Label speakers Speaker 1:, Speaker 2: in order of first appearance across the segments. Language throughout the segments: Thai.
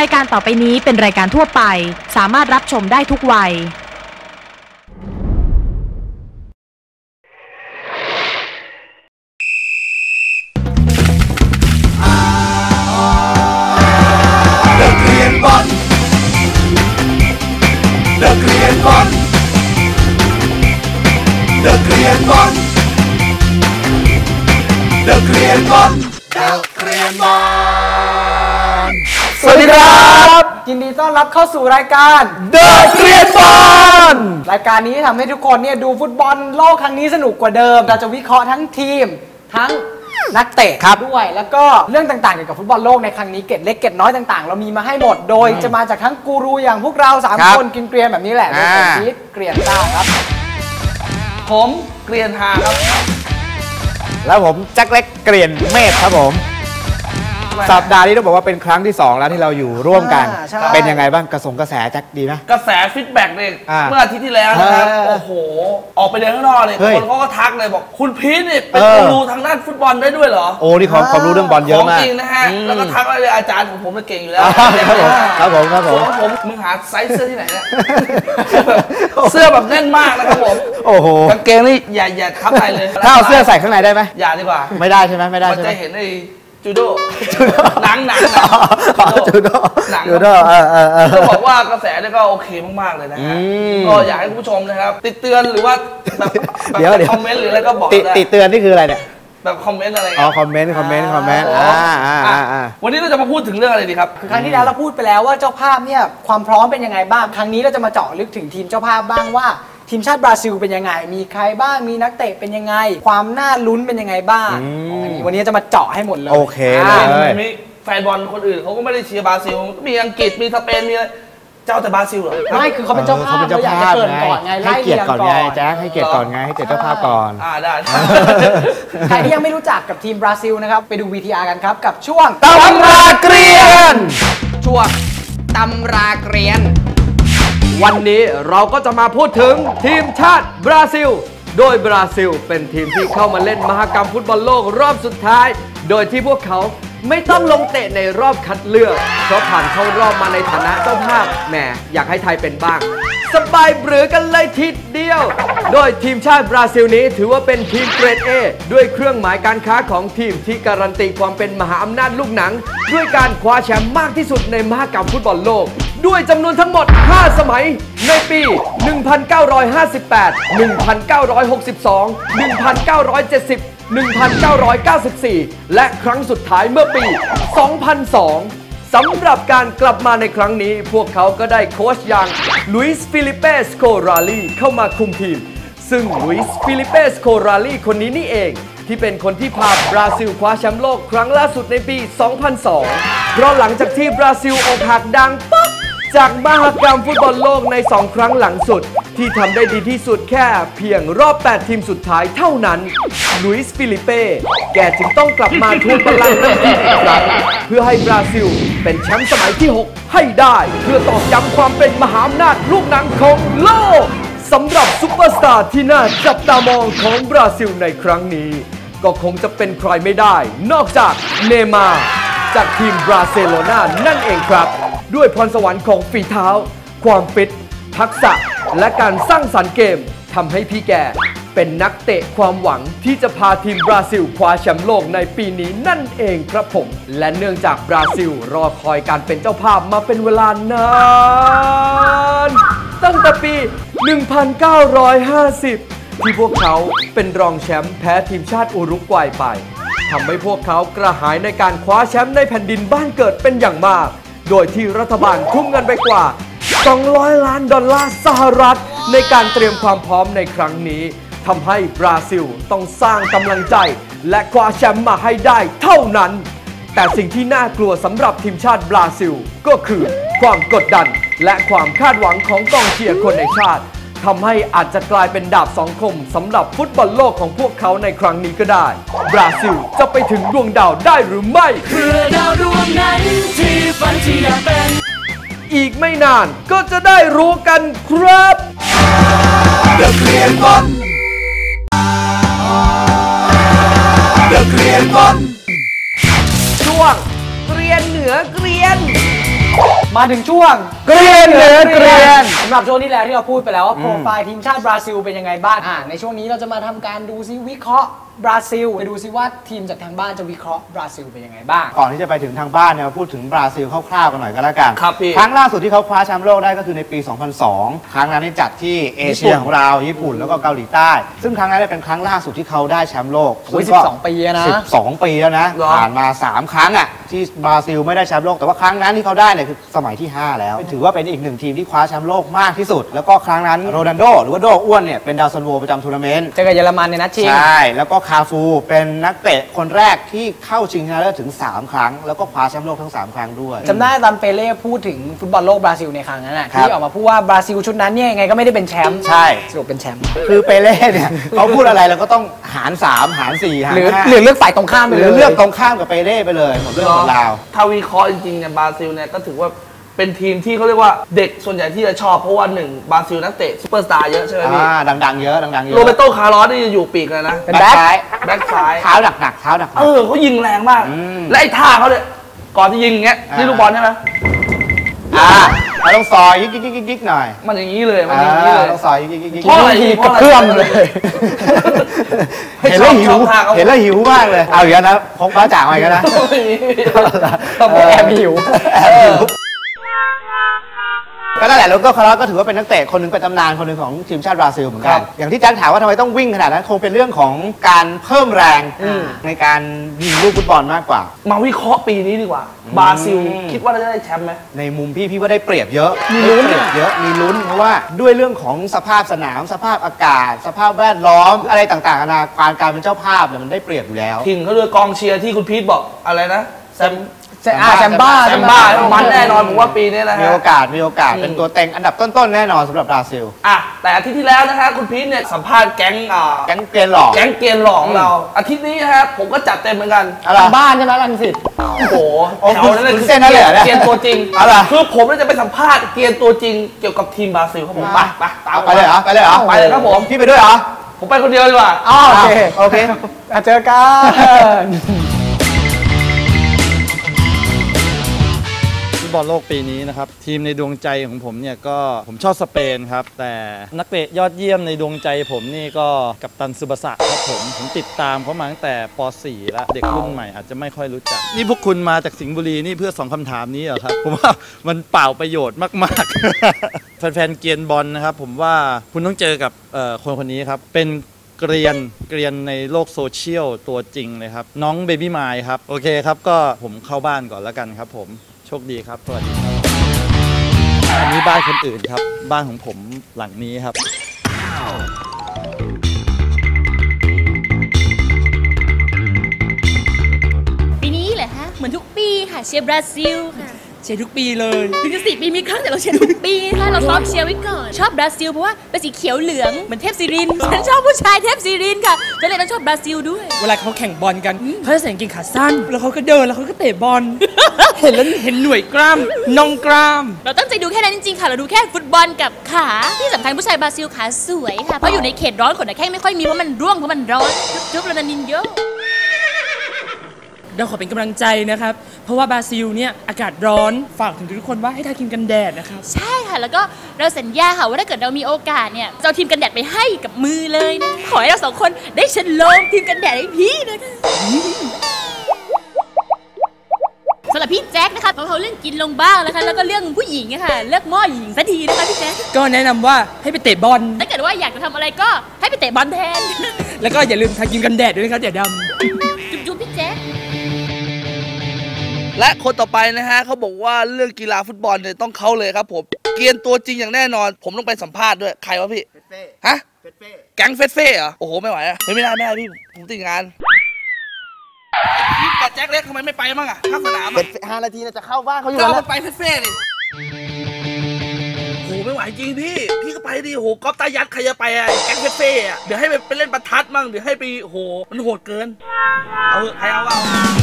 Speaker 1: ายการต่อไปนี้เป็นรายการทั่วไปสามารถรับชมได้ทุกวัย
Speaker 2: นักเรียนบอลนักเรียนบอลนักเรียนบอลนักเรียนบอลนักเรียนบอลสวัสดีครับ
Speaker 3: ยินดีต้อนรับเข้าสู่รายการ
Speaker 2: นักเรียนบอล
Speaker 3: รายการนี้ทำให้ทุกคนเนี่ยดูฟุตบอลโลกครั้งนี้สนุกกว่าเดิมเราจะวิเคราะห์ทั้งทีมทั้งนักเตะด้วยแล้วก็เรื่องต่างๆเกี่ยวกับฟุตบอลโลกในครั้งนี้เกร็ดเล็กเกร็ดน้อยต่างๆเรามีมาให้หมดโดยจะมาจากทั้งกูรูอย่างพวกเรา3คนกินเกรียนแบบนี้แหละโดยผมพีทเกรียนต้าครับ
Speaker 4: ผมเกรียนฮาครับ
Speaker 5: แล้วผมแจ็คเล็กเกรียนเมธครับผมสัปดาห์นี้ต้องบอกว่าเป็นครั้งที่2แล้วที่เราอยู่ร่วมกันเป็นยังไงบ้างกระแสแจ็คดีไหม
Speaker 4: กระแสฟีดแบ็กเนี่ยเมื่ออาทิตย์ที่แล้วนะครับโอ้โหออกไปเดินข้างนอกเลยคนเขาก็ทักเลยบอกคุณพีทเนี่ยเป็นกูรูทางด้านฟุตบอลได้ด้วยเหรอ
Speaker 5: โอ้นี่ความรู้เรื่องบอลเยอะมาก
Speaker 4: จริงนะฮะแล้วก็ทักเลยอาจารย์ของผมเก่งอยู่แล้ว
Speaker 5: ครับผม
Speaker 4: มึงหาไซส์เสื้อที่ไหนเนี่ยเสื้อแบบแน่นมากนะครับผม
Speaker 5: โอ้โห
Speaker 4: กางเกงนี่อย่าทับอะไรเลย
Speaker 5: ถ้าเอาเสื้อใส่ข้างในได้ไหม
Speaker 4: อย่าดีกว่า
Speaker 5: ไม่ได้ใช่ไหมไม่ได้ใช่ไหม
Speaker 4: จะเห็นไอ้จูโดหนัง
Speaker 5: จูโด
Speaker 4: จะบอกว่ากระแสเนี่ยก็โอเคมากๆเลยนะฮะก็อยากให้คุณผู้ชมนะครับติดเตือนหรือว่าแบบคอมเมนต์หรืออะไรก็บอกได้
Speaker 5: ติดเตือนนี่คืออะไรเนี่ย
Speaker 4: แบบคอมเมนต์อะไร
Speaker 5: อ๋อคอมเมนต์
Speaker 4: วันนี้เราจะมาพูดถึงเรื่องอะไรดีครับ
Speaker 3: ครั้งที่แล้วเราพูดไปแล้วว่าเจ้าภาพเนี่ยความพร้อมเป็นยังไงบ้างครั้งนี้เราจะมาเจาะลึกถึงทีมเจ้าภาพบ้างว่าทีมชาติบราซิลเป็นยังไงมีใครบ้างมีนักเตะเป็นยังไงความน่าลุ้นเป็นยังไงบ้างวันนี้จะมาเจาะให้หมดเลย
Speaker 5: โอเคเลย
Speaker 4: มีแฟนบอลคนอื่นเขาก็ไม่ได้เชียร์บราซิลมีอังกฤษมีสเปนมีเจ้าแต่บราซิลเหรอ
Speaker 3: ไม่คือเขาเป็นเจ้าภาพเราอยากจะเกินก่อนไง
Speaker 5: ให้เกียรติก่อนไงแจ๊คให้เกียรติก่อนไงให้เกียรติเจ้าภาพก่อน
Speaker 4: ได้
Speaker 3: ใครที่ยังไม่รู้จักกับทีมบราซิลนะครับไปดู VTR กันครับกับช่วง
Speaker 5: ตำราเกรียน
Speaker 6: ช่วงตำราเกรียนวันนี้เราก็จะมาพูดถึงทีมชาติบราซิลโดยบราซิลเป็นทีมที่เข้ามาเล่นมหกรรมฟุตบอลโลกรอบสุดท้ายโดยที่พวกเขาไม่ต้องลงเตะในรอบคัดเลือกเพราะผ่านเข้ารอบมาในฐานะเจ้าภาพแหมอยากให้ไทยเป็นบ้างสบายเบือกันเลยทีเดียวโดยทีมชาติบราซิลนี้ถือว่าเป็นทีมเกรด A ด้วยเครื่องหมายการค้าของทีมที่การันตีความเป็นมหาอำนาจลูกหนังด้วยการคว้าแชมป์มากที่สุดในมหกรรมฟุตบอลโลกด้วยจำนวนทั้งหมด5สมัยในปี 1958 1962 1970 1994 และครั้งสุดท้ายเมื่อปี 2002 สำหรับการกลับมาในครั้งนี้พวกเขาก็ได้โค้ชอย่างลุยส์ฟิลิเปสโคราลีเข้ามาคุมทีมซึ่งลุยส์ฟิลิเปสโคราลีคนนี้นี่เองที่เป็นคนที่พาบราซิลคว้าแชมป์โลกครั้งล่าสุดในปี 2002 เพราะหลังจากที่บราซิลอกหักดังป๊อกจากมหกรรมฟุตบอลโลกใน2ครั้งหลังสุดที่ทำได้ดีที่สุดแค่เพียงรอบ8ทีมสุดท้ายเท่านั้นลุยส์ฟิลิเป้แกจึงต้องกลับมาทวงบัลลังก์อีกครั้งเพื่อให้บราซิลเป็นแชมป์สมัยที่6ให้ได้เพื่อตอกย้ำความเป็นมหาอำนาจลูกหนังของโลกสำหรับซุปเปอร์สตาร์ที่น่าจับตามองของบราซิลในครั้งนี้ก็คงจะเป็นใครไม่ได้นอกจากเนย์มาร์จากทีมบราเซโลนานั่นเองครับด้วยพรสวรรค์ของฝีเท้าความฟิตทักษะและการสร้างสรรค์เกมทำให้พี่แกเป็นนักเตะความหวังที่จะพาทีมบราซิลคว้าแชมป์โลกในปีนี้นั่นเองครับผมและเนื่องจากบราซิลรอคอยการเป็นเจ้าภาพมาเป็นเวลานานตั้งแต่ปี 1950 ที่พวกเขาเป็นรองแชมป์แพ้ทีมชาติอุรุกวัยไปทำให้พวกเขากระหายในการคว้าแชมป์ในแผ่นดินบ้านเกิดเป็นอย่างมากโดยที่รัฐบาลทุ่มเงินไปกว่า$200 ล้านสหรัฐในการเตรียมความพร้อมในครั้งนี้ทำให้บราซิลต้องสร้างกำลังใจและคว้าแชมป์มาให้ได้เท่านั้นแต่สิ่งที่น่ากลัวสำหรับทีมชาติบราซิลก็คือความกดดันและความคาดหวังของกองเชียร์คนในชาติทำให้อาจจะกลายเป็นดาบสองคมสำหรับฟุตบอลโลกของพวกเขาในครั้งนี้ก็ได้บราซิลจะไปถึงดวงดาวได้หรือไม่
Speaker 2: เพื่อดาวดวงนั้นที่ฝันที่อยากเป็น
Speaker 6: อีกไม่นานก็จะได้รู้กันครับ
Speaker 2: นักเรียนบอลนักเรียนบอล
Speaker 6: ช่วงเกรียนเหนือเกรียน
Speaker 3: มาถึงช่วง
Speaker 5: เกรียนเหลือเกรียน
Speaker 3: สำหรับช่วงที่แล้วที่เราพูดไปแล้วว่าโปรไฟล์ทีมชาติบราซิลเป็นยังไงบ้างในช่วงนี้เราจะมาทำการดูซิวิเคราะห์บราซิลไปดูซิว่าทีมจากทางบ้านจะวิเคราะห์บราซิลเป็นยังไงบ้าง
Speaker 5: ก่อนที่จะไปถึงทางบ้านเนี่ยมาพูดถึงบราซิลคร่าวๆกันหน่อยก็แล้วกัน
Speaker 4: ครับพี่
Speaker 5: ครั้งล่าสุดที่เขาคว้าแชมป์โลกได้ก็คือในปี 2002 ครั้งนั้นจัดที่เอเชียของเราญี่ปุ่นแล้วก็เกาหลีใต้ ซึ่งครั้งนั้นเป็นครั้งล่าสุดที่เขาได้แชมป์โลก
Speaker 3: 12 ปีนะ
Speaker 5: 12 ปีแล้วนะผ่านมา 3 ครั้งอ่ะที่บราซิลไม่ได้แชมป์โลกแต่ว่าครั้งนั้นที่เขาได้เนี่ยคือสมัยที่ 5 แล้วถือว่าเป็นอีกหนึ่งทีมที่คว้าแชมป์โลกมากที่สุดแล้วก็ครั้งนั้นโรนัลโดหรือว่าโดอ้วนเนี่ยเป็นดาวซันโวประจำทัวร์นาเมนต์
Speaker 3: เจอกับเยอรมันในนัดชิง
Speaker 5: ใช่แล้วก็คาฟูเป็นนักเตะคนแรกที่เข้าชิงชนะเลิศถึง 3 ครั้งแล้วก็คว้าแชมป์โลกทั้ง 3 ครั้งด้วย
Speaker 3: จำได้ตอนเปเล่พูดถึงฟุตบอลโลกบราซิลในครั้งนั้นที่ออกมาพูดว่าบราซิลชุดนั้นเนี่ยยังไงก็ไม่ได้เป็นแชมป์
Speaker 5: ใช่
Speaker 3: สรุปเป็นแชมป์
Speaker 5: คือเปเล่เนี่ยเขาพูดอะไรเราก็ต้องหาร 3 หาร 4 หาร 5
Speaker 3: หรือเลือกฝ่ายตรงข้ามไปเลย
Speaker 5: หรือเลือกตรงข้ามกับเปเล่ไปเลยหมดเรื่องหมดราว
Speaker 4: ถ้าวิเคราะห์จริงๆเนี่ยบราซิลเนี่ยก็ถือว่าเป็นทีมที่เขาเรียกว่าเด็กส่วนใหญ่ที่จะชอบเพราะว่า1บราซิลนักเตะซุปเปอร์สตาร์เยอะใช่ไหมพี่
Speaker 5: ดังๆเยอะดังๆเยอะ
Speaker 4: โรเบโตคาร์ลอสนี่จะอยู่ปีกเลยนะ
Speaker 3: เป็นแบ็คซ้
Speaker 4: าย
Speaker 5: เท้าหนัก
Speaker 4: เขายิงแรงมากและไอ้ท่าเขาเนี่ยก่อนจะยิงอย่างเงี้ยนี่ลูกบอลใช่ไหม
Speaker 5: เราต้องซอยยิกหน่อย
Speaker 4: มันอย่างนี้เลยมันอย่างนี้เลย
Speaker 5: ต้องซอยยิก
Speaker 3: เพราะอะไรกระเพื่อมเลย
Speaker 5: เห็นแล้วหิวมากเลยเอาอย่างนั้นนะพกป้าจ่างมาอีกนะ
Speaker 3: ต้องแอบหิว
Speaker 5: ก็นั่นแหละโรเบโตคาร์ลอสก็ถือว่าเป็นนักเตะคนหนึ่งเป็นตำนานคนหนึ่งของทีมชาติบราซิลเหมือนกันอย่างที่แจ็คถามว่าทำไมต้องวิ่งขนาดนั้นคงเป็นเรื่องของการเพิ่มแรงในการยิงลูกฟุตบอลมากกว่า
Speaker 4: มาวิเคราะห์ปีนี้ดีกว่าบราซิลคิดว่าจะได้แชมป์ไหม
Speaker 5: ในมุมพี่ว่าได้เปรียบเยอะมีลุ้นเพราะว่าด้วยเรื่องของสภาพสนามสภาพอากาศสภาพแวดล้อมอะไรต่างๆนานาการเป็นเจ้าภาพเนี่ยมันได้เปรียบอยู่แล้ว
Speaker 4: ทีมเขาด้วยกองเชียร์ที่คุณพีทบอกอะไรนะแ
Speaker 3: ซมบ้า
Speaker 4: มันแน่นอนผมว่าปีนี้นะฮะ
Speaker 5: มีโอกาสเป็นตัวเต็งอันดับต้นๆแน่นอนสำหรับบราซิล
Speaker 4: แต่อาทิตย์ที่แล้วนะฮะคุณพีทเนี่ยสัมภาษณ์แก๊ง
Speaker 5: เกรียนหล่อ
Speaker 4: ของเราอาทิตย์นี้นะฮะผมก็จัดเต็มเหมือนกัน
Speaker 3: ทางบ้านใช่ไหมรังสิต
Speaker 4: โอ้โหแถวนั้นเลย
Speaker 5: เส้นนั่นเลย
Speaker 4: เกรียนตัวจริงคือผมจะไปสัมภาษณ์เกรียนตัวจริงเกี่ยวกับทีมบราซิลครับผมไปตาม
Speaker 5: ไปเลยเหรอไปเลย
Speaker 4: ครับผม
Speaker 5: พี่ไปด้วยเหรอ
Speaker 4: ผมไปคนเดียวดีกว่า
Speaker 3: โอเคเจอกัน
Speaker 7: บอลโลกปีนี้นะครับทีมในดวงใจของผมเนี่ยก็ผมชอบสเปนครับแต่นักเตะยอดเยี่ยมในดวงใจผมนี่ก็กัปตันซึบาสะครับผมติดตามเขามาตั้งแต่ป .4 แล้วเด็กรุ่นใหม่อาจจะไม่ค่อยรู้จักนี่พวกคุณมาจากสิงห์บุรีนี่เพื่อ2คำถามนี้เหรอครับผมว่ามันเปล่าประโยชน์มากๆแฟนๆเกียนบอลนะครับผมว่าคุณต้องเจอกับคนนี้ครับเป็นเกรียนในโลกโซเชียลตัวจริงเลยครับน้องเบบี้มายครับโอเคครับก็ผมเข้าบ้านก่อนแล้วกันครับผมโชคดีครับสวัสดีครับอันนี้บ้านคนอื่นครับบ้านของผมหลังนี้ครับ
Speaker 8: ปีนี้เหรอฮะเหมือนทุกปีค่ะเชียร์บราซิลค่ะเชียร์ทุกปีเลยถึงจะ4 ปีมีครั้งแต่เราเชียร์ทุกปีค่ะเราซ้อมเชียร์ไว้ก่อนชอบบราซิลเพราะว่าเป็นสีเขียวเหลืองเหมือนเทพศิรินทร์ฉันชอบผู้ชายเทพศิรินทร์ค่ะก็เลยต้องชอบบราซิลด้วย
Speaker 9: เวลาเขาแข่งบอลกันเขาจะใส่กางเกงขาสั้นแล้วเขาก็เดินแล้วเขาก็เตะบอล เห็นแล้วเห็นหน่วยกล้ามน่องกล้าม
Speaker 8: เราตั้งใจดูแค่นั้นจริงๆค่ะเราดูแค่ฟุตบอลกับขาที่สำคัญผู้ชายบราซิลขาสวยค่ะเพราะอยู่ในเขตร้อนขนหน้าแข้งไม่ค่อยมีเพราะมันร่วงเพราะมันร้อนจุ๊บๆโรนัลดินโญ
Speaker 9: เราขอเป็นกำลังใจนะครับเพราะว่าบราซิลเนี่ยอากาศร้อนฝากถึงทุกคนว่าให้ทาครีมกันแดดนะครับ
Speaker 8: ใช่ค่ะแล้วก็เราสัญญาค่ะว่าถ้าเกิดเรามีโอกาสเนี่ยจะเอาทีมกันแดดไปให้กับมือเลยนะขอให้เรา2 คนได้ฉลองทีมกันแดดให้พี่นะคะสำหรับพี่แจ็คนะคะเขาเรื่องกินลงบ้างนะคะแล้วก็เรื่องผู้หญิงค่ะเลือกหม้อหญิงสักทีนะคะพี่แจ็ค
Speaker 9: ก็แนะนำว่าให้ไปเตะบอล
Speaker 8: ถ้าเกิดว่าอยากจะทำอะไรก็ให้ไปเตะบอลแทน
Speaker 9: แล้วก็อย่าลืมทาครีมกันแดดด้วยนะครับอย่าด
Speaker 8: ำจุ๊บพี่แจ็ค
Speaker 4: และคนต่อไปนะฮะเขาบอกว่าเรื่องกีฬาฟุตบอลเนี่ยต้องเขาเลยครับผมเกียนตัวจริงอย่างแน่นอนผมต้องไปสัมภาษณ์ด้วยใครวะพี่ฮะแก๊งเฟสเหรอโอ้โหไม่ไหวอะไม่ได้พี่ผมติดงานพี่กับแจ็คเล็กทำไมไม่ไปมั่งอะข้างสนาม
Speaker 5: 5 นาทีจะเข้าบ้านเขาอยู่
Speaker 4: แล้วไปเฟสเลยโอ้ไม่ไหวจริงพี่ก็ไปดิโหก๊อฟตายัดใครจะไปอะแก๊งเฟสอะเดี๋ยวให้ไปเล่นประทัดมั่งเดี๋ยวให้ไปโหมันโหดเกินเอาใครเอา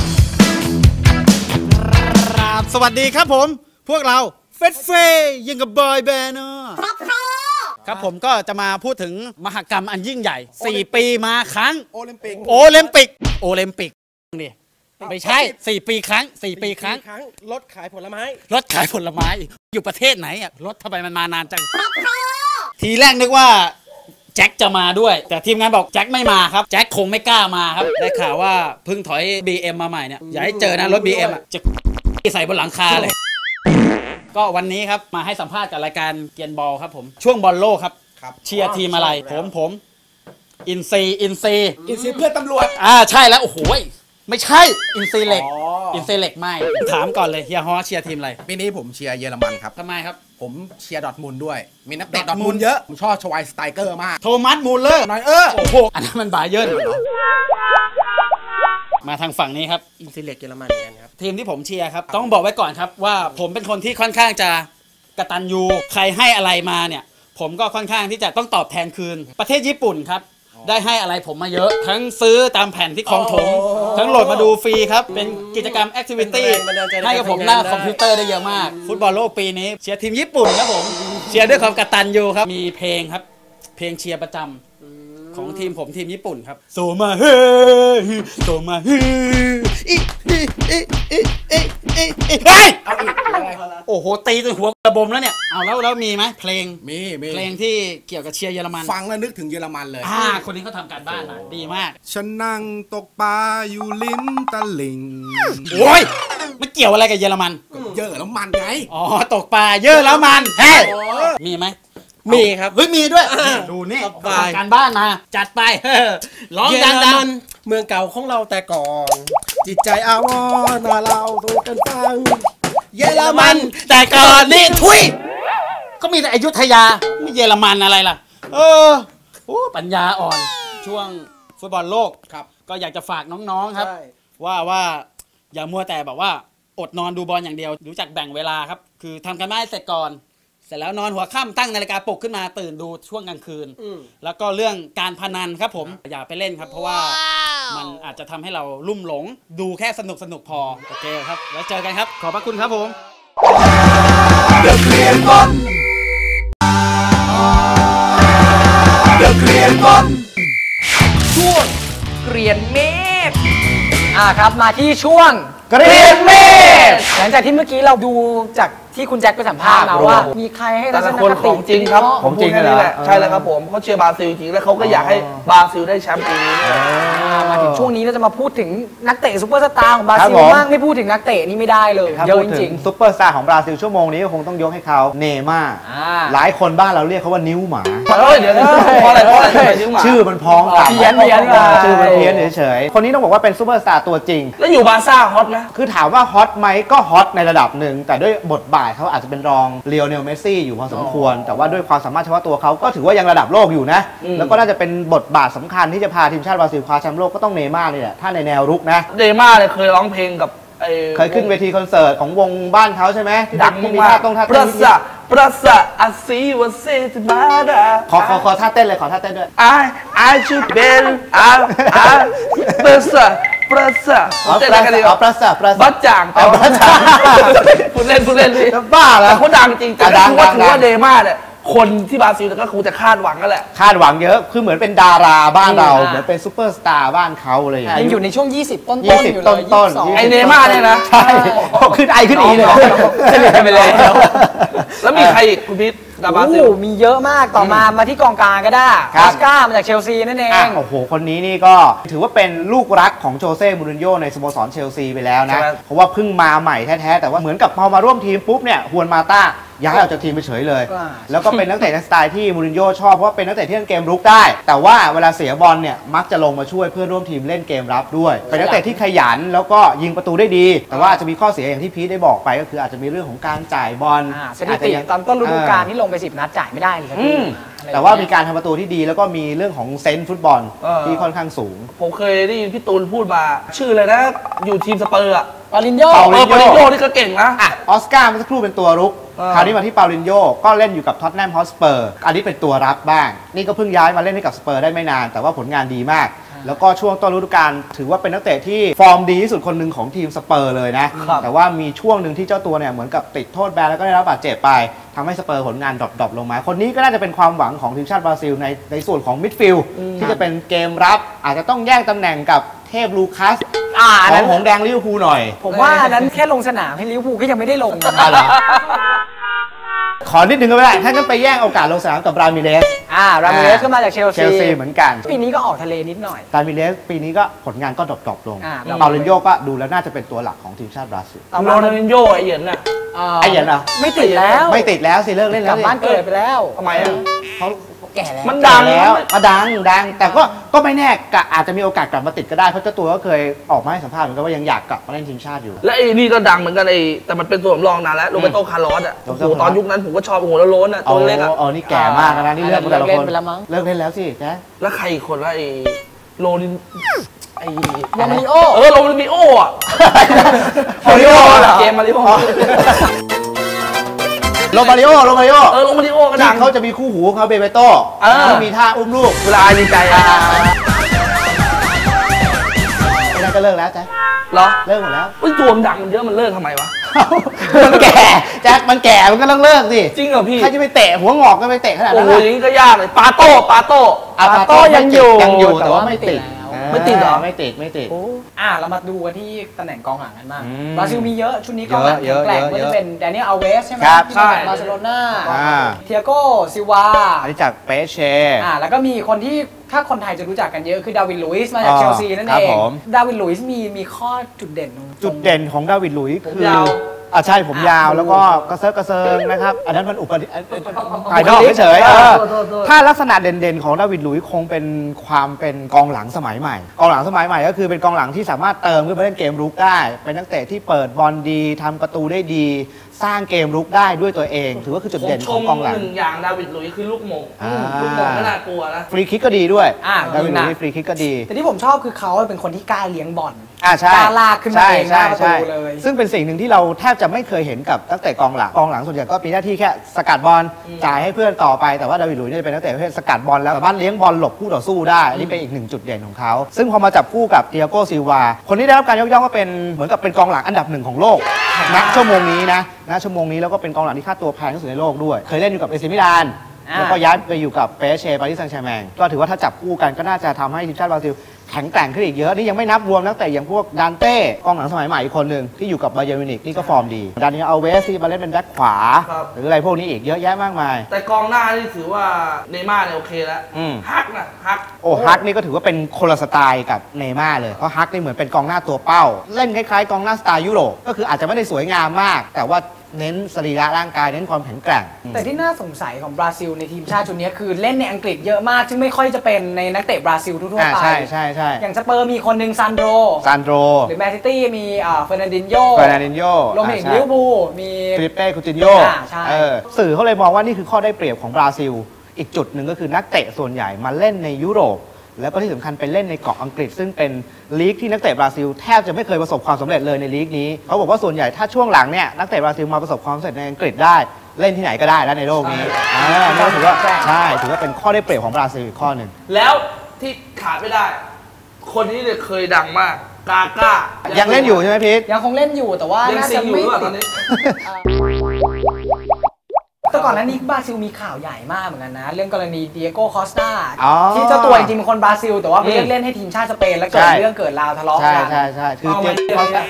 Speaker 10: สวัสดีครับผมพวกเราเฟสเฟยังกับบอยแบนด์ครับผมก็จะมาพูดถึงมหกรรมอันยิ่งใหญ่4 ปีมาครั้งโอลิมปิกนี่ไม่ใช่4 ปีครั้ง4 ปีครั้งรถขายผลไม้อยู่ประเทศไหนอ่ะรถทำไมมันมานานจังทีแรกนึกว่าแจ็คจะมาด้วยแต่ทีมงานบอกแจ็คไม่มาครับแจ็คคงไม่กล้ามาครับได้ข่าวว่าเพิ่งถอย BM มาใหม่เนี่ยอย่าให้เจอนะรถ BM อ่ะจะใส่บนหลังคาเลยก็วันนี้ครับมาให้สัมภาษณ์กับรายการเกียนบอลครับผมช่วงบอลโลกครับเชียร์ทีมอะไรผมอินซีเพื่อนตำรวจใช่แล้วโอ้โหไม่ใช่อินซีเล็กไม่ถามก่อนเลยเฮียฮอเชียร์ทีมอะไร
Speaker 2: ปีนี้ผมเชียร์เยอรมันครับ
Speaker 10: ทำไมครับ
Speaker 2: ผมเชียร์ดอร์ทมุนด์ด้วยมีนักเตะดอร์ทมุนด์เยอะผมชอบชวายสไตเกอร์มาก
Speaker 10: โทมัสมูลเลอร์
Speaker 2: หน่อย
Speaker 10: โอ้โหอันนั้นมันบาเยิร์นมาทางฝั่งนี้ครับอินซีเล็กเยอรมันกันครับทีมที่ผมเชียร์ครับต้องบอกไว้ก่อนครับว่าผมเป็นคนที่ค่อนข้างจะกตัญญูใครให้อะไรมาเนี่ยผมก็ค่อนข้างที่จะต้องตอบแทนคืนประเทศญี่ปุ่นครับได้ให้อะไรผมมาเยอะทั้งซื้อตามแผ่นที่คลองถมทั้งโหลดมาดูฟรีครับเป็นกิจกรรมแอคทิวิตี้ให้กับผมหน้าคอมพิวเตอร์ได้เยอะมากฟุตบอลโลกปีนี้เชียร์ทีมญี่ปุ่นครับผมเชียร์ด้วยความกตัญญูครับมีเพลงครับเพลงเชียร์ประจำของทีมผมทีมญี่ปุ่นครับโซมาเฮโซมาเฮโอ้โหตีจนหัวระบมแล้วเนี่ยเอาแล้วมีไหมเพลงที่เกี่ยวกับเชียร์เยอรมัน
Speaker 2: ฟังแล้วนึกถึงเยอรมันเลย
Speaker 10: คนนี้เขาทำการบ้านมาดีมาก
Speaker 2: ฉันนั่งตกปลาอยู่ริมตลิ่ง
Speaker 10: โอ้ยไม่เกี่ยวอะไรกับเยอรมัน
Speaker 2: เยอะแล้วมันไง
Speaker 10: อ๋อตกปลาเยอะแล้วมันเฮ้ยมีไหมมีครับเฮ้ยมีด้วยดูนี่ทำการบ้านมาจัดไปร้องดังๆ
Speaker 9: เมืองเก่าของเราแต่ก่อนจิตใจอาวรณ์มาเราสู่กันฟัง
Speaker 10: เยอรมันแต่ก่อนนี่ทุยก็มีแต่อยุธยาไม่เยอรมันอะไรล่ะปัญญาอ่อนช่วงฟุตบอลโลกครับก็อยากจะฝากน้องๆครับว่าอย่ามัวแต่แบบว่าอดนอนดูบอลอย่างเดียวรู้จักแบ่งเวลาครับคือทำกันบ้านให้เสร็จก่อนเสร็จแล้วนอนหัวค่ำตั้งนาฬิกาปลุกขึ้นมาตื่นดูช่วงกลางคืนแล้วก็เรื่องการพนันครับผมอย่าไปเล่นครับเพราะว่ามันอาจจะทำให้เราลุ่มหลงดูแค่สนุกพอโอเคครับแล้วเจอกันครับขอบพระคุณครับผม
Speaker 2: เดอะเกรียนบอล
Speaker 3: ช่วงเกรียนเมฆครับมาที่ช่วง
Speaker 10: เกรียนเมฆ
Speaker 3: หลังจากที่เมื่อกี้เราดูจากที่คุณแจ็คไปสัมภาษณ์มาว่ามีใครให้ทัศนคติ
Speaker 4: ของจริงครับของจริงนี่แหละใช่แล้วครับผมเขาเชียร์บราซิลจริงแล้วเขาก็อยากให้บราซิลได้แชมป์ปีนี้
Speaker 3: มาถึงช่วงนี้เราจะมาพูดถึงนักเตะซุปเปอร์สตาร์ของบราซิลบ้างไม่พูดถึงนักเตะนี่ไม่ได้เลย
Speaker 5: เยอะจริงซุปเปอร์สตาร์ของบราซิลชั่วโมงนี้ก็คงต้องยกให้เขาเนม่าหลายคนบ้านเราเรียกเขาว่านิ้วหมา
Speaker 4: เดี๋ยวเพราะอะไร
Speaker 5: ชื่อมันพ้องกัน
Speaker 3: เพี้ยน
Speaker 5: ชื่อมันเพี้ยนเฉยๆคนนี้ต้องบอกว่าเป็นซุปเปอร์สตาร์ตัวจริง
Speaker 4: แล้วอยู่บาร์ซ่าฮอตไหม
Speaker 5: คือถามว่าฮอตไหมก็ฮอตในระดับหนึ่งแต่ด้วยบทบาทเขาอาจจะเป็นรองเลียวเนลเมสซี่อยู่พอสมควรแต่ว่าด้วยความสามารถเฉพาะตัวเขาก็ถือว่ายังระดับโลกอยู่นะแล้วก็น่าจะเป็นบทบาทสำคัญที่จะพาทีมชาติบราซิลคว้าแชมป์โลกก็ต้องเนม่านี่แหละถ้าในแนวรุกนะ
Speaker 4: เนม่าเนี่ยเคยร้องเพลงกับ
Speaker 5: เคยขึ้นเวทีคอนเสิร์ตของวงบ้านเขาใช่ไหม
Speaker 4: ดังมากประสาอาซีวาเซตมาดา
Speaker 5: ขอท่าเต้นเลยขอท่าเต้นด้วย
Speaker 4: I should beประสา
Speaker 5: เต้นอะไรกันดีประสา
Speaker 4: บัดจ่างพูดเล่นเลย
Speaker 5: บ้าแล้ว
Speaker 4: เขาดังจริงแต่ถือว่าเนม่าเนี่ยคนที่บราซิลก็คงจะคาดหวังกันแหละ
Speaker 5: คาดหวังเยอะคือเหมือนเป็นดาราบ้านเราเหมือนเป็นซุปเปอร์สตาร์บ้านเขาเลย
Speaker 3: ยังอยู่ในช่วง20ต้น
Speaker 5: อยู่เลย
Speaker 4: ไอเนม่าเนี่ยนะ
Speaker 5: ใช่ขึ้นอีเลย
Speaker 4: เฉลี่ยไปเลยแล้วมีใครอีกคุณพิษ
Speaker 3: บราซิลมีเยอะมากต่อมาที่กองกลางก็ได้คาสก้ามาจากเชลซีนั่นเอง
Speaker 5: โอ้โหคนนี้นี่ก็ถือว่าเป็นลูกรักของโจเซ่มูรินโญ่ในสโมสรเชลซีไปแล้วนะเพราะว่าเพิ่งมาใหม่แท้ๆแต่ว่าเหมือนกับพอมาร่วมทีมปุ๊บเนี่ยฮวนมาต้าย้ายออกจากทีมไปเฉยเลยแล้วก็เป็นนักเตะในสไตล์ที่มูรินโญ่ชอบเพราะว่าเป็นนักเตะที่เล่นเกมรุกได้แต่ว่าเวลาเสียบอลเนี่ยมักจะลงมาช่วยเพื่อนร่วมทีมเล่นเกมรับด้วยเป็นนักเตะที่ขยันแล้วก็ยิงประตูได้ดีแต่ว่าอาจจะมีข้อเสียอย่างที่พีทได้บอกไปก็คืออาจจะมีเรื่องของการจ่ายบอล
Speaker 3: สถิติตอนต้นฤดูกาลที่ลงไป10นัดจ่ายไม่ได้เลย
Speaker 5: แต่ว่ามีการทำประตูที่ดีแล้วก็มีเรื่องของเซนส์ฟุตบอลที่ค่อนข้างสูง
Speaker 4: ผมเคยได้ยินพี่ตูนพูดมาชื่อเลยนะอยู่ทีมสเปอร์อะ
Speaker 3: ปาลินโญ่
Speaker 4: นี่ก็เก่งนะ
Speaker 5: ออสการ์เมื่อสักครู่เป็นตัวรุกคราวนี้มาที่ปาลินโญ่ก็เล่นอยู่กับท็อตแนมฮอตสเปอร์อันนี้เป็นตัวรับบ้างนี่ก็เพิ่งย้ายมาเล่นให้กับสเปอร์ได้ไม่นานแต่ว่าผลงานดีมากแล้วก็ช่วงต้นฤดูกาลถือว่าเป็นนักเตะที่ฟอร์มดีที่สุดคนหนึ่งของทีมสเปอร์เลยนะแต่ว่ามีช่วงหนึ่งที่เจ้าตัวเนี่ยเหมือนกับติดโทษแบนแล้วก็ได้รับบาดเจ็บไปทำให้สเปอร์ผลงานดรอปลงมาคนนี้ก็น่าจะเป็นความหวังของทีมชาติบราซิลในส่วนของมิดฟิลด์ที่จะเป็นเกมรับอาจจะต้องแย่งตำแหน่งกับเทพลูคัสของหงแดงลิเวอร์พูลหน่อย
Speaker 3: ผมว่าอันนั้นแค่ลงสนามให้ลิเวอร์พูลก็ยังไม่ได้ลงนะ
Speaker 5: ขอนิดนึงก็ไม่ได้ถ้างั้นไปแย่งโอกาสลงสนามกับรามิเรส
Speaker 3: รามิเรสก็มาจากเชลซี
Speaker 5: เหมือนกัน
Speaker 3: ปีนี้ก็ออกทะเลนิดหน่อย
Speaker 5: รามิเรสปีนี้ก็ผลงานก็ดรอปลงเปาลินโญ่ก็ดูแล้วน่าจะเป็นตัวหลักของทีมชาติบราซิล
Speaker 4: โรนัลดินโญ่ไอเหยินน่ะ
Speaker 5: ไอเหยินเหรอ
Speaker 3: ไม่ติดแล้ว
Speaker 5: สิเลิกเล่นแล้ว
Speaker 3: กลับบ้านเกิดไปแล้ว
Speaker 4: ทำไม
Speaker 3: เขาแก่แล้ว
Speaker 5: มันดังแล้วดังแต่ก็ไม่แน่อาจจะมีโอกาสกลับมาติดก็ได้เพราะเจ้าตัวก็เคยออกมาให้สัมภาษณ์เหมือนกันว่ายังอยากกลับมาเล่นทีมชาติอยู่
Speaker 4: และไอ้นี่ก็ดังเหมือนกันแต่มันเป็นตัวสำรองนานแล้วโรเบโตคาร์ลอสอ่ะโอ้โหตอนยุคนั้นผมก็ชอบโอ้โหแล้วโล้นอ่ะตัวเล็กอ่ะ
Speaker 5: นี่แก่มากนะนี่เลิกแต่ละคนเลิกเล่นแล้วสิแก
Speaker 4: แล้วใครอีกคนว่าไอ้โรนิน
Speaker 3: โรมาริโอ
Speaker 4: โรมาริโออ่ะเกมมาริโอ
Speaker 5: โรมาริโอ
Speaker 4: โรมาริโอก็ดัง
Speaker 5: เขาจะมีคู่หูเขาเบเบโต้ที่มีท่าอุ้มลูก
Speaker 4: เวลาดีใจ
Speaker 5: แล้วก็เลิกแล้วแจ๊ค
Speaker 4: เหรอ
Speaker 5: เลิกหมดแล้ว
Speaker 4: ตัวมันดังมันเยอะมันเลิกทำไมวะ
Speaker 5: มันแก่แจ๊คมันแก่มันก็ต้องเลิกสิ
Speaker 4: จริงเหรอพี่
Speaker 5: ใครจะไปเตะหัวงอกก็ไปเตะขนาดนั้น
Speaker 4: โอ้ยอย่างนี้ก็ยากเลยปาโต้
Speaker 5: ยังอยู่แต่ว่าไม่ติด
Speaker 4: เหรอ
Speaker 5: ไม่ติด
Speaker 3: เรามาดูกันที่ตำแหน่งกองหลังกันบ้างบราซิลมีเยอะชุดนี้กองหลังแข็งแกร่งก็จะเป็นแดเนียลอัลเวสใช่ไหม
Speaker 5: ใช่
Speaker 3: บาร์เซโลนาเทียโกซิลวา
Speaker 5: อันนี้จากเปเช่
Speaker 3: แล้วก็มีคนที่ถ้าคนไทยจะรู้จักกันเยอะคือดาวิดลุยส์มาจากเชลซีนั่นเองดาวิดลุยส์มีข้อจุดเด่น
Speaker 5: ของดาวิดลุยส์คือใช่ผมยาวแล้วก็กระเซิงนะครับอันนั้นมันภายนอกเฉยถ้าลักษณะเด่นๆของดาวิดลุยส์คงเป็นความเป็นกองหลังสมัยใหม่ก็คือเป็นกองหลังที่สามารถเติมขึ้นมาเล่นเกมรุกได้เป็นนักเตะที่เปิดบอลดีทำประตูได้ดีสร้างเกมรุกได้ด้วยตัวเองถือว่าคือจุดเด่นของกองหลัง
Speaker 4: หนึ่งอย่างดาวิดลุยส์คือลูกโมงไม่น่ากลัวนะ
Speaker 5: ฟรีคิกก็ดีด้วยดาวิดลุยส์ฟรีคิกก็ดี
Speaker 3: แต่ที่ผมชอบคือเขาเป็นคนที่กล้าเลี้ยงบอล
Speaker 5: ใช่
Speaker 3: กล้าลากขึ้นมาเองหน้าประตูเลย
Speaker 5: ซึ่งเป็นสิ่งหนึ่งที่เราแทบจะไม่เคยเห็นกับตั้งแต่กองหลังส่วนใหญ่ก็มีหน้าที่แค่สกัดบอลจ่ายให้เพื่อนต่อไปแต่ว่าดาวิดลุยส์เนี่ยเป็นนักเตะประเภทสกัดบอลแล้วสามารถเลี้ยงบอลหลบคู่ต่อสู้ได้นี่เป็นอีกหนึ่งจุดเด่นของเขาซึ่งพอมาจับคู่กับเตียโกซิลวาคนที่ได้รับการยกย่องก็เป็นเหมือนกับเป็นกองหลังอันดับ1ของโลกณชั่วโมงนี้แล้วก็เป็นกองหลังที่ค่าตัวแพงที่สุดในโลกด้วยเคยเล่นอยู่กับเอซิมิลานแล้วก็ย้ายไปอยู่กับเปเช่ปารีสแซงต์แชร์แมงก็ถือว่าถ้าจับคู่กันก็น่าจะทำให้ทีมชาติบราซิลแข็งแกร่งขึ้นอีกเยอะนี่ยังไม่นับรวมนักเตะอย่างพวกดานเต้กองหลังสมัยใหม่อีกคนหนึ่งที่อยู่กับบาเยิร์นมิวนิกนี่ก็ฟอร์มดีดานิเอล อัลเวสที่มาเล่นเป็นแบ็คขวาหรืออะไรพวกนี้อีกเยอะแยะมากมาย
Speaker 4: แต่กองหน้านี่ถือว่าเนย์ม่าร์เนี่ยโอเคแล้วฮัก
Speaker 5: ฮักนี่ก็ถือว่าเป็นคนละสไตล์กับเนย์ม่าร์เลยเพราะฮักนี่เหมือนเป็นกองหน้าตัวเป้าเล่นคล้ายๆกองหน้าสไตล์ยุโรปก็คืออาจจะไม่ได้สวยงามมากแต่ว่าเน้นสรีระร่างกายเน้นความแข็งแกร่ง
Speaker 3: แต่ที่น่าสงสัยของบราซิลในทีมชาติชุดนี้คือเล่นในอังกฤษเยอะมากซึ่งไม่ค่อยจะเป็นในนักเตะบราซิลทั่วไป
Speaker 5: ใช่
Speaker 3: อย่างสเปอร์มีคนหนึ่งซานโดหรือแมนซิตี้มีเฟอร์นันดินโญ่รวมถึงลิเวอร์พูลมี
Speaker 5: ฟิลิปเป้คูตินโญสื่อเขาเลยมองว่านี่คือข้อได้เปรียบของบราซิลอีกจุดหนึ่งก็คือนักเตะส่วนใหญ่มาเล่นในยุโรปแล้วก็ที่สำคัญไปเล่นในเกาะอังกฤษซึ่งเป็นลีกที่นักเตะบราซิลแทบจะไม่เคยประสบความสำเร็จเลยในลีกนี้เขาบอกว่าส่วนใหญ่ถ้าช่วงหลังเนี่ยนักเตะบราซิลมาประสบความสำเร็จในอังกฤษได้เล่นที่ไหนก็ได้แล้วในโลกนี้นี่ถือว่าถือว่าเป็นข้อได้เปรียบของบราซิลอีกข้อหนึ่ง
Speaker 4: แล้วที่ขาดไม่ได้คนนี้เนี่ยเคยดังมากกาก้า
Speaker 5: ยังเล่นอยู่ใช่ไหมพีท
Speaker 3: ยังคงเล่นอยู่แต่ว่าน่าจะไม่
Speaker 4: ตอนนี้
Speaker 3: แต่ก่อนหน้านี้บราซิลมีข่าวใหญ่มากเหมือนกันนะเรื่องกรณีเดียโก้คอสตาที่เจ้าตัวจริงๆเป็นคนบราซิลแต่ว่าไปเล่นให้ทีมชาติสเปนแล้วเกิดเรื่องเกิดราวทะเลาะกัน
Speaker 5: ใช่คือเดียโก้คอสตา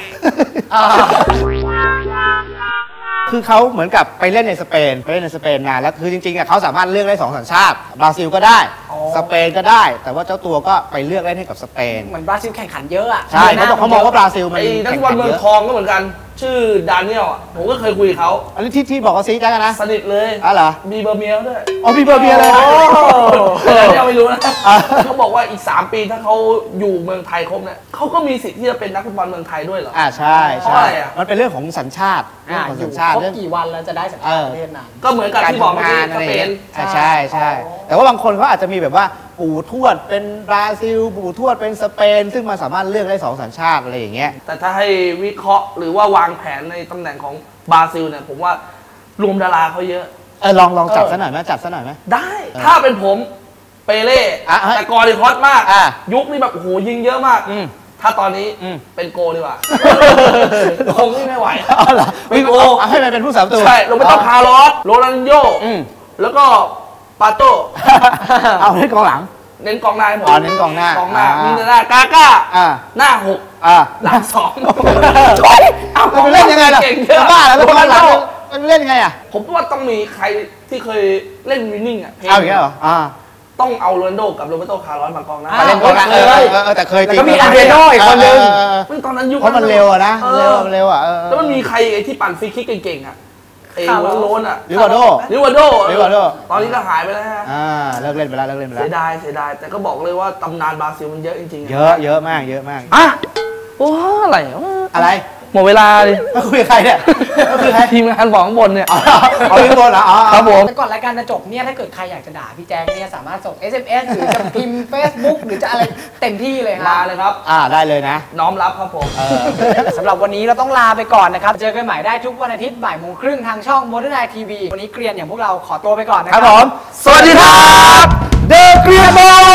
Speaker 5: คือเขาเหมือนกับไปเล่นในสเปนนานแล้วคือจริงๆเขาสามารถเลือกได้2 สัญชาติบราซิลก็ได้สเปนก็ได้แต่ว่าเจ้าตัวก็ไปเลือกเล่นให้กับสเปน
Speaker 3: เหมือนบราซิลแข่งขันเยอะอ่ะ
Speaker 5: ใช่เขามองว่าบราซิลมัน
Speaker 4: นักบอลเมืองทองก็เหมือนกันชื่อดานิเอลผมก็เคยคุยเขา
Speaker 5: อันนี้ที่บอกว่าซีจ้ากันนะ
Speaker 4: สนิทเลย
Speaker 5: เหรอ
Speaker 4: มีเบอร์เมียด้วย
Speaker 5: มีเบอร์เมียเลย
Speaker 4: ยังไม่รู้นะเขาบอกว่าอีก3 ปีถ้าเขาอยู่เมืองไทยครบเนี่ยเขาก็มีสิทธิ์ที่จะเป็นนักฟุตบอลเมืองไทยด้วยเหรอ
Speaker 5: ใช่มันเป็นเรื่องของสัญชาติ
Speaker 3: อยู่ครบกี่วันแล้วจะได้สัญชาติประเทศนั้น
Speaker 4: ก็เหมือนกับที่บอกเมื่อกี้สเปน
Speaker 5: ใช่แต่ว่าบางคนเขาอาจจะมีแบบว่าปู่ทวดเป็นบราซิลปู่ทวดเป็นสเปนซึ่งมันสามารถเลือกได้2 สัญชาติอะไรอย่างเงี้ย
Speaker 4: แต่ถ้าให้วิเคราะห์หรือว่าวางแผนในตำแหน่งของบราซิลเนี่ยผมว่ารวมดาราเขาเยอะ
Speaker 5: ลองจับซะหน่อยไหม
Speaker 4: ได้ถ้าเป็นผมเปเล่แต่ก่อนนี่ฮอตมากยุคนี้แบบโอ้โหยิงเยอะมากถ้าตอนนี้เป็นโกดีกว่าคงไม่ไหว
Speaker 5: เป็นโกให้มันเป็นผู้สาประตู
Speaker 4: ใช่เราไม่ต้องคาร์ลอสโรนัลดินโญ่แล้วก็ปาโต้
Speaker 5: เอาเล่นกองหลัง
Speaker 4: เน้นกองหน้าให้ผม
Speaker 5: เน้นกองหน้าก
Speaker 4: องหน้ามีหน้ากาก้าหน้า6หลัง2ช่วยเอา
Speaker 5: มันเล่นยังไงล่ะ
Speaker 4: เก่งเย
Speaker 5: จะ
Speaker 4: อะ
Speaker 5: บ้าแล้วมันหลังมันเล่นยังไงอ่ะ
Speaker 4: ผมว่าต้องมีใครที่เคยเล่นวินนิ่งอ่ะ
Speaker 5: เอาอย่างเงี้ยเหรอ
Speaker 4: ต้องเอาโรนัลโดกับโรเบโตคาร์ลอสมากองหน้า
Speaker 5: มาเล่นกองหน้าแต่เคยจริง
Speaker 3: แล้วก็มีอาร์เดโน่อีกคนนึง
Speaker 4: ตอนนั้นยุค
Speaker 5: เพราะมันเร็วอะนะเร็วอะ
Speaker 4: แล้วมันมีใครไอ้ที่ปั่นฟรีคิกเก่งๆอ่ะโรนอ่ะ
Speaker 5: ลิวาโด
Speaker 4: ตอนนี้ก็หายไปแล้วฮะ
Speaker 5: เลิกเล่นไปแล้ว
Speaker 4: เสียดายแต่ก็บอกเลยว่าตำนานบราซิลมันเยอะจริงๆ
Speaker 5: เยอะมาก
Speaker 4: อ่ะโอ้อะไรหมดเวลาเลย
Speaker 5: คุยกับใครเนี่ย
Speaker 4: คือใครทีมงานบอกข้างบนเนี่ย
Speaker 5: เอาข้างบนเหรอ
Speaker 4: ครับผม
Speaker 3: แต่ก่อนรายการจะจบเนี่ยถ้าเกิดใครอยากจะด่าพี่แจ๊คเนี่ยสามารถส่ง SMS หรือจะพิมพ์ Facebook หรือจะอะไรเต็มที่เลย
Speaker 4: มาเลยครับ
Speaker 5: ได้เลยนะ
Speaker 4: น้อมรับครับผม
Speaker 3: สำหรับวันนี้เราต้องลาไปก่อนนะครับเจอกันใหม่ได้ทุกวันอาทิตย์บ่ายโมงครึ่งทางช่อง Modern Night TV วันนี้เกรียนอย่างพวกเราขอตัวไปก่อนนะครับ
Speaker 5: ผม
Speaker 4: สวัสดีครับเดอะเกรียนบอล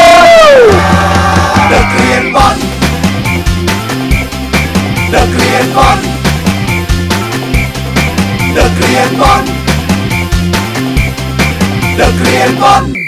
Speaker 2: เดอะเกรียนบอลเดอะเกรียนบอลเดอะเกรียนบอลเดอะเกรียนบอล